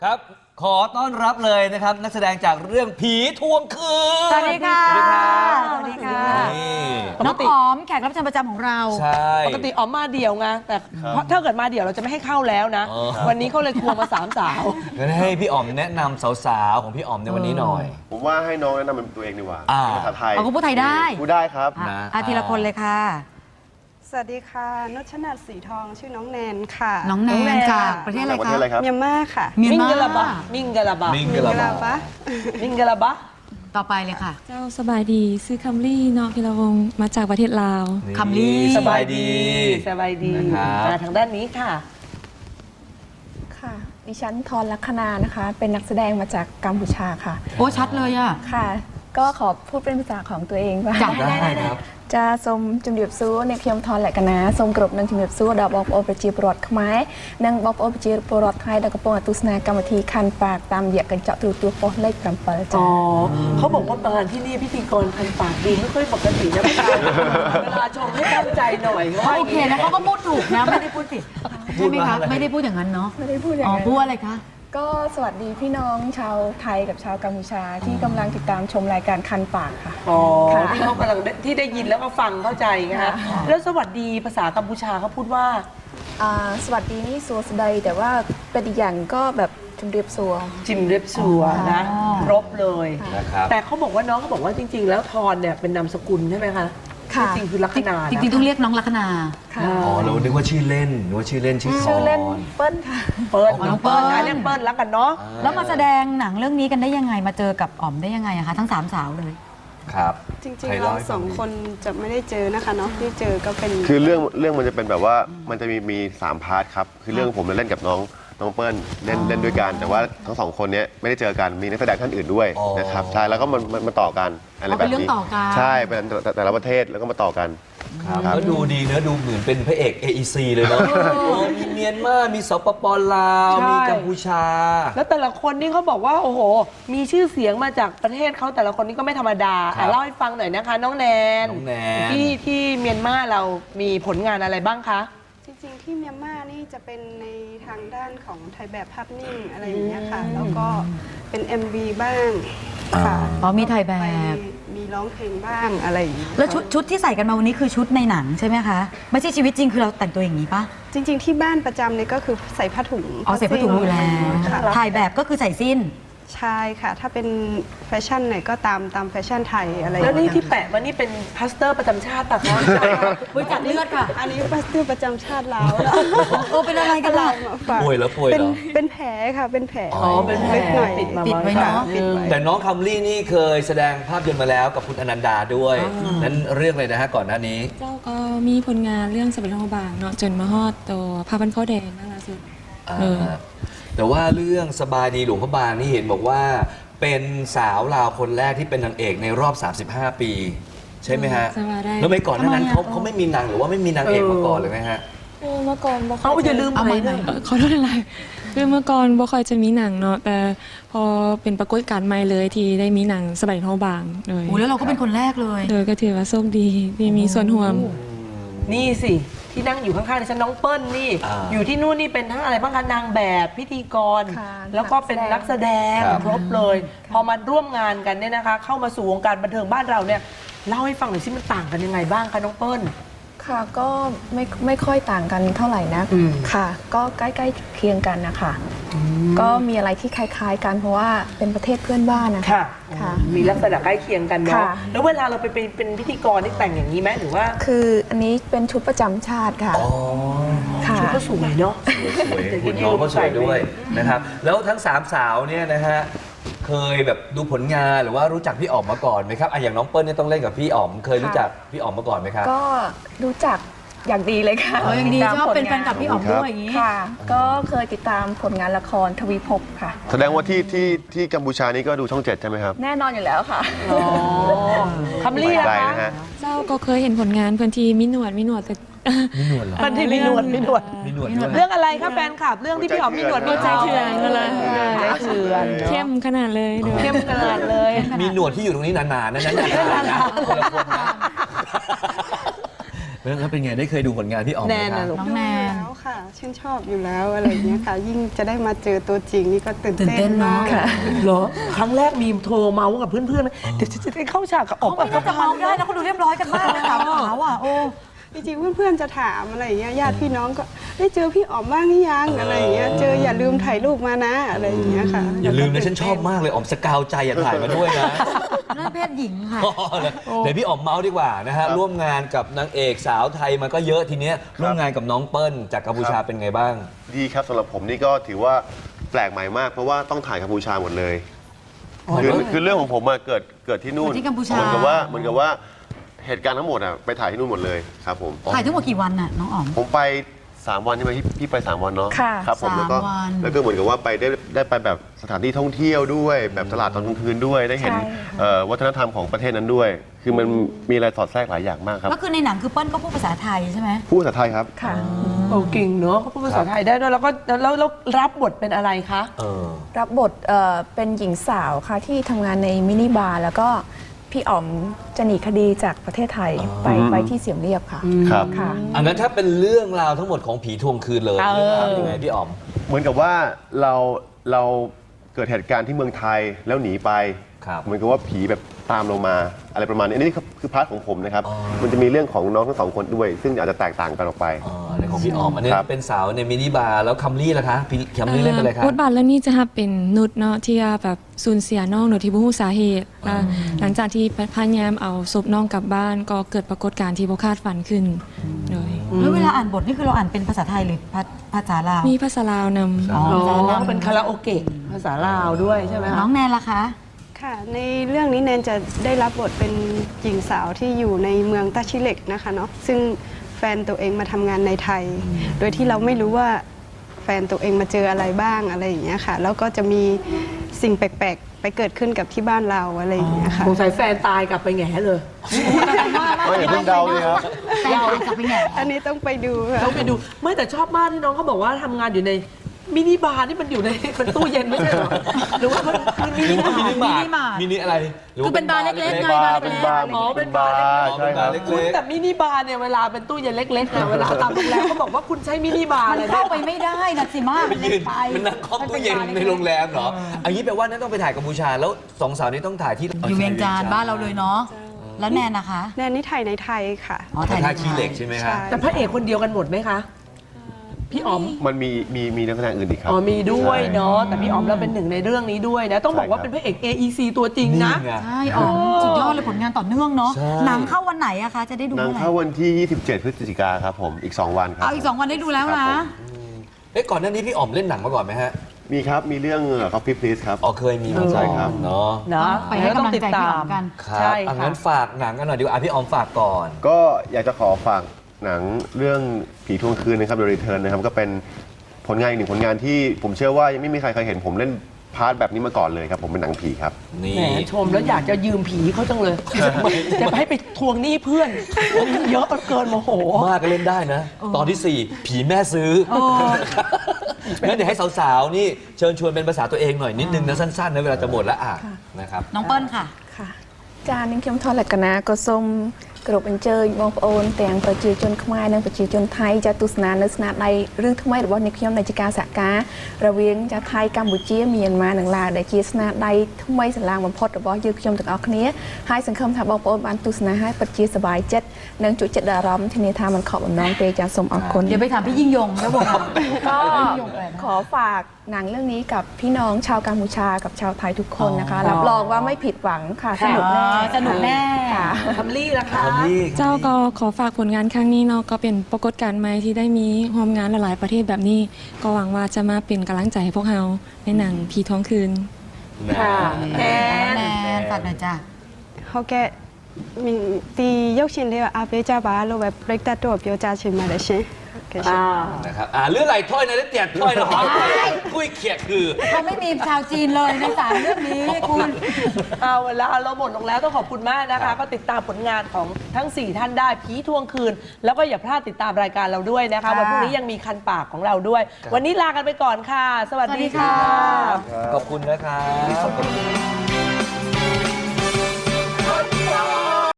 ครับขอต้อนรับเลยนะครับนักแสดงจากเรื่องผีทวงคืนสวัสดีค่ะสวัสดีครับสวัสดีค่ะนี่น้องอ๋อมแขกรับเชิญประจำของเราใช่ปกติอ๋อมมาเดี่ยวไงแต่ถ้าเกิดมาเดี่ยวเราจะไม่ให้เข้าแล้วนะอ๋อวันนี้เขาเลยควงมา3 สาวงั้นให้พี่อ๋อมแนะนำสาวๆของพี่อ๋อมในวันนี้หน่อยผมว่าให้น้องแนะนำเป็นตัวเองดีกว่าอ่าเป็นภาษาไทยเอาก็พูดไทยได้พูดได้ครับนะทีละคนเลยค่ะสวัสดีค่ะนุชนาถสีทองชื่อน้องแนนค่ะน้องแนน้องแนนนจากประเทศอะไรประเทคะศอะไรครับเมียนมาค่ะเมียนมิงมากะลาบะมิงกะลาบะมิงกะลาเวลาบาปะมิงกะลาบะต่อไปเลยค่ะเจ้าสบายดีซื้อคัมรี่เนาะพิรวงศ์มาจากประเทศลาวนี่คำลี่สบายดีสบายดีนะครับมาทางด้านนี้ค่ะค่ะ ดิฉันทรลักษณานะคะ เป็นนักแสดงมาจากกัมพูชาค่ะโอ้ชัดเลยอ่ะค่ะ ก็ขอพูดเป็นภาษาของตัวเองว่าจ้ะได้ครับจะសូមជំរាបសួរអ្នកខ្ញុំថនលក្ខណៈសូមគោរពនឹងជំរាបសួរដល់បងប្អូនប្រជាពលរដ្ឋខ្មែរនិងបងប្អូនប្រជាពលរដ្ឋថៃដែលកំពុងទស្សនាកម្មវិធីខាន់ប៉ាកតាមរយៈកញ្ចក់ទូរទស្សន៍ប៉ុស្តិ៍លេខ7 อ๋ចា៎อเขาบอกว่ามาที่นี่พิธีกรคันปากดูไม่ค่อยปกตินะพี่ชายเวลาชมให้ตั้งใจหน่อยเขาว่าอโอย่าง เคนี้นะเขาก็พูดถูกนะ ไม่ได้พูดผิดใช่ไหมคะ ไม่ได้พูดอย่างนั้นเนาะไม่ได้พูดอย่างอ๋อนั้นพูดอะไรคะก็สวัสดีพี่น้องชาวไทยกับชาวกัมพูชาที่กำลังติดตามชมรายการคันปากค่ะอ๋อค่ะที่เขากำลังที่ได้ยินแล้วก็ฟังเข้าใจนะคะแล้วสวัสดีภาษากัมพูชาเขาพูดว่าสวัสดีนี่สัวสดายแต่ว่าเป็นอีกอย่างก็แบบจุมเรียบสัวจิมเรียบสัวนะอ๋อครบเลยนะครับแต่เขาบอกว่าน้องเขาบอกว่าจริง ๆ แล้วทอนเนี่ยเป็นนามสกุลใช่ไหมคะค่ะจริงๆคือลัคนาจริงๆต้องเรียกน้องลัคนาค่ะอ๋อเรานึกว่าชื่อเล่นนึกว่าชื่อเล่นชื่อทชื่ออเล่นนเปิ้ลค่ะเปิ้ลอ๋อน้น้ออง งเปิ้เปิ้ลลนะเรียกเปิ้ลแล้วกันเนาะแล้วมาแสดงหนังเรื่องนี้กันได้ยังไง มาเจอกับอ๋อมได้ยังไงอะคะทั้งสามสาวเลยครับจริงใครๆเล่าเราให้ฟัสงองดิคนจะไม่ได้เจอนะคะเนาะที่เจอก็เป็นคือเรื่องมันจะเป็นแบบว่ามันจะมี3 พาร์ทครับ คือเรื่องผมเล่นกับน้องเปิ้ลเล่นด้วยกัน แต่ว่าทั้งสองคนเนี้ยไม่ได้เจอกัน มีนักแสดงท่านอื่นด้วยอ๋อนะครับ ใช่ แล้วก็มันต่อกันอะไรอ๋อแบเป็นบเรื่องนี้ต่อกันใช่ เป็นแต่ละประเทศแล้วก็มาต่อกันครับครับแล้วดูดีเนอะดูเหมือนเป็นพระเอก AEC เลยเนาะมีเมียนมามีสปปลาวใช่มีกัมพูชาแล้วแต่ละคนนี่เขาบอกว่าโอ้โห มีชื่อเสียงมาจากประเทศเขาแต่ละคนนี่ก็ไม่ธรรมดาครับเล่าให้ฟังหน่อยนะคะ น้องแนนน้องแนนที่เมียนมาเรามีผลงานอะไรบ้างคะจริงๆที่เมียนมานี่จะเป็นในทางด้านของถ่ายแบบภาพนิ่งอะไรอย่างเงี้ยค่ะ แล้วก็เป็น MV บ้างค่ะอ๋อมีถ่ายแบบไปมีร้องเพลงบ้างอะไรอย่างเงี้ยแล้วชุดที่ใส่กันมาวันนี้คือชุดในหนังใช่ไหมคะ ไม่ใช่ชีวิตจริงคือเราแต่งตัวอย่างนี้ปะจริง ๆ ที่บ้านประจำเนี่ยก็คือใส่ผ้าถุงอ๋อใส่ผ้าถุงอยู่แล้วค่ะถ่ายแบบก็คือใส่สิ้นใช่ค่ะ ถ้าเป็นแฟชั่นเนี่ยก็ตามแฟชั่นไทยอะไรอย่างแล้วนี่เงี้ยที่แปะมานี่เป็นพลาสเตอร์ประจำชาติปะคะบริจาคเลือดค่ะอันนี้พลาสเตอร์ประจำชาติลาวแล้วโอ้เป็นอะไรกันล่ะมาฝากป่วยเหรอเป็นแผลค่ะ เป็นแผลอ๋อเป็นแผลล็กหน่อยปิดมาปิดไว้เนอะปิดไว้แต่น้องคัมลี่นี่เคยแสดงภาพยนตร์มาแล้วกับคุณอนันดาด้วย นั้นเรื่องอะไรนะฮะก่อนหน้านี้เจ้าก็มีผลงานเรื่องสเปนโฮบางเนาะจนมาฮอดตัวพาพันข้าวแดงน่ารักสุดอ่าเออแต่ว่าเรื่องสบายดีหลวงพระบางนี่เห็นบอกว่า เป็นสาวลาวคนแรกที่เป็นนางเอกในรอบ 35 ปี ใช่ไหมฮะสบายได้แล้วไม่ก่อนหน้านั้นทำไมอะเขาไม่มีนางหรือว่าไม่มีนางเอกมาก่อนเลยไหมฮะเมื่อก่อนบ่ค่เอาอยอย่าลืมเอาไปใหม่ด้วยขอโทษอะไรคือเมื่อก่อนบ่ค่อยจะมีหนังเนาะแต่พอเป็นปรากฏการณ์ใหม่เลยที่ได้มีหนังสเปนโฮบางเลยโอ้แล้วเราก็เป็นคนแรกเลยโดยก็ถือว่าโชคดีที่มีส่วนร่วมนี่สิที่นั่งอยู่ข้างๆดิฉันน้องเปิ้ลนี่อ่าอยู่ที่นู่นนี่เป็นทั้งอะไรบ้างคะนางแบบพิธีกรค่ะแล้วก็เป็นนักแสดงครับครบเลย พอมาร่วมงานกันเนี่ยนะคะ เข้ามาสู่วงการบันเทิงบ้านเราเนี่ยเล่าให้ฟังหน่อยสิมันต่างกันยังไงบ้างคะน้องเปิ้ลค่ะก็ไม่ค่อยต่างกันเท่าไหร่นะอืมค่ะ ก็ใกล้ๆเคียงกันนะคะก็มีอะไรที่คล้ายๆกันเพราะว่าเป็นประเทศเพื่อนบ้านนะคะค่ะค่ะมีลักษณะใกล้เคียงกันเนาะค่ะแล้วเวลาเราไปเป็นพิธีกรนี่แต่งอย่างนี้ไหมหรือว่าคืออันนี้เป็นชุดประจำชาติค่ะอ๋อค่ะชุดก็สวยเนาะสวยคุณน้องก็สวยด้วยนะครับ แล้วทั้งสามสาวเนี่ยนะฮะ เคยแบบดูผลงานหรือว่ารู้จักพี่อ๋อมมาก่อนไหมครับอ่ะอย่างน้องเปิ้ลเนี่ยต้องเล่นกับพี่อ๋อม เคยรู้จักพี่อ๋อมมาก่อนไหมครับก็รู้จักอย่างดีเลยค่ะอ๋ออย่างดีติตามชอบเป็นผลแฟนงากับพี่อ๋อมด้วยอย่างนี้ค่ะ ก็เคยติดตามผลงานละครทวีภพค่ะแสดงว่าที่กัมพูชานี่ก็ดูช่อง 7 ใช่ไหมครับแน่นอนอยู่แล้วค่ะอ๋อคำเรียกไกลนะนะคะ ฮะเจ้าก็เคยเห็นผลงานเพื่อนที่มีหนวดแต่มีหนวดเหรอมันที่มีหนวดมีหนวดด้วยเรื่องอะไรคะแฟนคลับเรื่องที่พี่อ๋อมมีหนวดมีใจเถื่อนเลเลย ยใจเถื่อนเข้มขนาดเลยเดี๋ยวเข้มขนาดเลยมีหนวดที่อยู่ตรงนี้นานๆนั่นนานๆนะคนละคนนะแล้วเป็นไงได้เคยดูผลงานพี่อ๋อมไหมแนนครันะบลูกน้องแนนแล้วค่ะชื่นชอบอยู่แล้วอะไรอย่างเงี้ยค่ะ ยิ่งจะได้มาเจอตัวจริงนี่ก็ตื่นตื่นเต้เต้นนเนอะมากค่ะเหรอ ครั้งแรกมีโทรเมาส์กับเพื่อนๆไหมเดี๋ยวจะได้เข้าฉากกับออกเขาไม่น่าจะเมาได้นะเขาดูเรียบร้อยกันมากเลยสามสาวอ่ะโอ้จริงๆเพื่อนๆจะถามอะไรอย่างเงี้ยญาติพี่น้องก็ได้เจอพี่อ๋อมบ้างหรือยังอะไรอย่างเงี้ยเจออย่าลืมถ่ายรูปมานะอะไรอย่างเงี้ยค่ะอย่าลืมนะฉันชอบมากเลยอ๋อมสกาวใจอย่าถ่ายมาด้วยนะนั่นเพศหญิงค่ะเดี๋ยวพี่อ๋อมเมาส์ดีกว่านะฮะร่วมงานกับนางเอกสาวไทยมาก็เยอะทีเนี้ยร่วมงานกับน้องเปิ้ลจากกัมพูชาเป็นไงบ้างดีครับสำหรับผมนี่ก็ถือว่าแปลกใหม่มากเพราะว่าต้องถ่ายกัมพูชาหมดเลยคือเรื่องของผมอะเกิดที่นู่นเกิดที่กัมพูชาเหมือนกับว่าเหตุการณ์ทั้งหมดอะไปถ่ายที่นู่นหมดเลยครับผมถ่ายทั้งหมดกี่วันน่ะน้องอ๋อมผมไป 3 วันใช่ไหมพี่ไป 3 วันเนาะค่ะครับผมแล้วก็ 3 วันแล้วก็เหมือนกับว่าไปได้ไปแบบสถานที่ท่องเที่ยวด้วย แบบตลาดตอนกลางคืนด้วยได้เห็นใช่ค่ะวัฒนธรรมของประเทศนั้นด้วย คือมันมีอะไรสอดแทรกหลายอย่างมากครับก็คือในหนังคือเปิ้ลก็พูดภาษาไทยใช่ไหมพูดภาษาไทยครับค่ะโอ้เก่งเนอะเขาพูดภาษาไทยได้ด้วยแล้วก็แล้วรับบทเป็นอะไรคะรับบทเป็นหญิงสาวค่ะที่ทำงานในมินิบาร์แล้วก็พี่อ๋อมจะหนีคดีจากประเทศไทยไปที่เสียมเรียบค่ะครับค่ะอันนั้นถ้าเป็นเรื่องราวทั้งหมดของผีทวงคืนเลยเออเรื่องราวเป็นยังไงพี่อ๋อมเหมือนกับว่าเราเกิดเหตุการณ์ที่เมืองไทยแล้วหนีไปครับเหมือนกับว่าผีแบบตามเรามาอะไรประมาณนี้อันนี้คือพาร์ทของผมนะครับอ๋อมันจะมีเรื่องของน้องทั้งสองคนด้วย ซึ่งอาจจะแตกต่างกันออกไปในของพี่อ๋อมอันนี้ครับเป็นสาวในมินิบาร์แล้วคัมลี่ล่ะคะพี่คัมลี่เล่นเป็นอะไรคะบทบาทเรื่องนี้จะเป็นนุชเนาะที่แบบสูญเสียน้องโดยที่บ่ฮู้สาเหตุและหลังจากที่พยายามเอาศพน้องกลับบ้านก็เกิดปรากฏการณ์ที่บ่คาดฝันขึ้นเลยแล้วเวลาอ่านบทนี่คือเราอ่านเป็นภาษาไทยหรือภาษาลาวมีภาษาลาวนำอ๋ออ๋อเป็นคาราโอเกะภาษาลาวด้วยใช่ไหมน้คะองแนนล่ะคะค่ะในเรื่องนี้แนนจะได้รับบทเป็นหญิงสาวที่อยู่ในเมืองตาชิเล็กนะคะเนาะซึ่งแฟนตัวเองมาทำงานในไทย โดยที่เราไม่รู้ว่าแฟนตัวเองมาเจออะไรบ้างอะไรอย่างเงี้ยค่ะแล้วก็จะมีสิ่งแปลกๆไปเกิดขึ้นกับที่บ้านเราอะไรอย่างเงี้ยค่ะสงสัยแฟนตายกลับไปแง่เลยก็อย่าเพิ่งเดาเลยครับแฟนตายกลับไปไงอันนี้ต้องไปดูค่ะต้องไปดูไม่แต่ชอบมากที่น้องเขาบอกว่าทำงานอยู่ในมินิบาร์นี่มันอยู่ในเป็นตู้เย็นไม่ใช่เหรอหรือว่ามันมินิบาร์มินิมาร์ทมินิอะไรหรืว่คือเป็นบาร์เล็กๆไงเป็นบาร์อ๋อเป็นบาร์ใช่ครับเล็กคุณแต่มินิบาร์เนี่ยเวลาเป็นตู้เย็นเล็กๆเนี่ยเวลาตามโรงแรมเขาบอกว่าคุณใช้มินิบาร์มัอะไรนนะเข้าไปไม่ได้นะสิมาไปมันยืเล็นกไปมันนั่งคอมตู้เย็นในโรงแรมเหรออันนี้แปลว่านั่นต้องไปถ่ายกัมพูชาแล้วสองสาวนี้ต้องถ่ายที่อยู่เวียงจันทร์บ้านเราเลยเนาะแล้วแนนนะคะแนนนี่ถ่ายในไทยค่ะอ๋อถ่าถ่าย ยท่าขี้เหล็กใช่ไหมคะใช่แต่พระเอกคนเดียวกันหมดไหมคะพี่อ๋อมมันมีนักแสดงอื่นอีกครับอ๋อมีด้วยเนาะใช่แต่พี่อ๋อมเราเป็นหนึ่งในเรื่องนี้ด้วยนะต้องบอกว่าใช่ครับเป็นพระเอก AEC ตัวจริงนะไงใช่อ๋อสุดยอดเลยผลงานต่อเนื่องเนาะใช่หนังเข้าวันไหนอะคะจะได้ดูหนังเมื่อไหร่เข้าวันที่ 27 พฤศจิกาครับผมอีก 2 วันครับเอาอีก 2 วันได้ดูแล้วครันะบผมเอ๊ะก่อนหน้านี้พี่อ๋อมเล่นหนังมาก่อนไหมฮะมีครับมีเรื่อง Coffee Please ครับอ๋อเคยมีมาใช่ก่อนครับเนาะนะไปให้กำลังใจพี่อ๋อมกันครับใช่อัค่ะงั้นฝากหนังกันหน่อยดีกว่าพี่อ๋อมฝากก่อนก็อยากจะขอฝากหนังเรื่องผีทวงคืนนะครับ The Return นะครับก็เป็นผลงานอีกหนึ่งผลงานที่ผมเชื่อว่ายังไม่มีใครเคยเห็นผมเล่นพาร์ทแบบนี้มาก่อนเลยครับผมเป็นหนังผีครับนี่แหมชมแล้วอยากจะยืมผีเขาจังเลยจะให้ไปทวงหนี้เพื่อนเยอะเกินโมโหมากก็เล่นได้นะ ตอนที่ 4 ผีแม่ซื้องั้นเดี๋ยวให้สาวๆนี่เชิญชวนเป็นภาษาตัวเองหน่อยนิดนึงนะสั้นๆนะเวลาจะหมดแล้วอ่ะนะครับน้องเปิ้ลค่ะค่ะចានាងខ្ញុំថតលក្ខណៈក៏សូមគ្រប់អញ្ជើញបងប្អូនទាំងប្រជាជនខ្មែរនិងប្រជាជនថៃចាទស្សនានៅស្នាដៃរឿងថ្មីរបស់នាងខ្ញុំដែលជាការសហការរវាងចាថៃកម្ពុជាមីយ៉ាន់ម៉ានិងឡាវដែលជាស្នាដៃថ្មីស្រឡាងបំផុតរបស់យើងខ្ញុំទាំងអស់គ្នាហើយសង្ឃឹមថាបងប្អូនបានទស្សនាហើយពិតជាសប្បាយចិត្តនិងជក់ចិត្តដល់អារម្មណ៍ធានាថាមិនខកបំណងទេចាសូមអរគុណเดี๋ยวไปถามพี่ยิ่งยงแล้วบอกก็ขอฝากหนังเรื่องนี้กับพี่น้องชาวกัมพูชากับชาวไทยทุกคนนะคะ รับรองว่าไม่ผิดหวังค่ะสนุกแน่สนุกแน่ค่ะทำลี่ละคะเจ้าก็ขอฝากผลงานครั้งนี้เนาะก็เป็นปรากฏการณ์ใหม่ที่ได้มีร่วมงานหลายๆประเทศแบบนี้ ก็หวังว่าจะมาเป็นกำลังใจให้พวกเราในหนังผีท้องคืนค่ะแนแนนนฝากหน่อยจ้ะဟုတ်ကဲ့ဒီရုပ်ရှင်လေးကအားပေးကြပါလို့ပဲပြိတ္တတော့ပြောကြချင်ပါတယ်ရှင်ဟုတ်ကဲ့ရှင်นะครับเรื่องอะไรถ้อยนะเตียดถ้อยนะหอยกุ้ยเขียดคือเขาไม่มีชาวจีนเลยในสามเรื่องนี้คุณเอาเวลาเราหมดลงแล้วต้องขอบคุณมากนะคะ ก็ติดตามผลงานของทั้ง 4 ท่านได้ผีทวงคืน แล้วก็อย่าพลาดติดตามรายการเราด้วยนะคะค่ะวันพรุ่งนี้ยังมีคันปากของเราด้วย วันนี้ลากันไปก่อนค่ะ สวัสดีค่ะขอบคุณนะครับ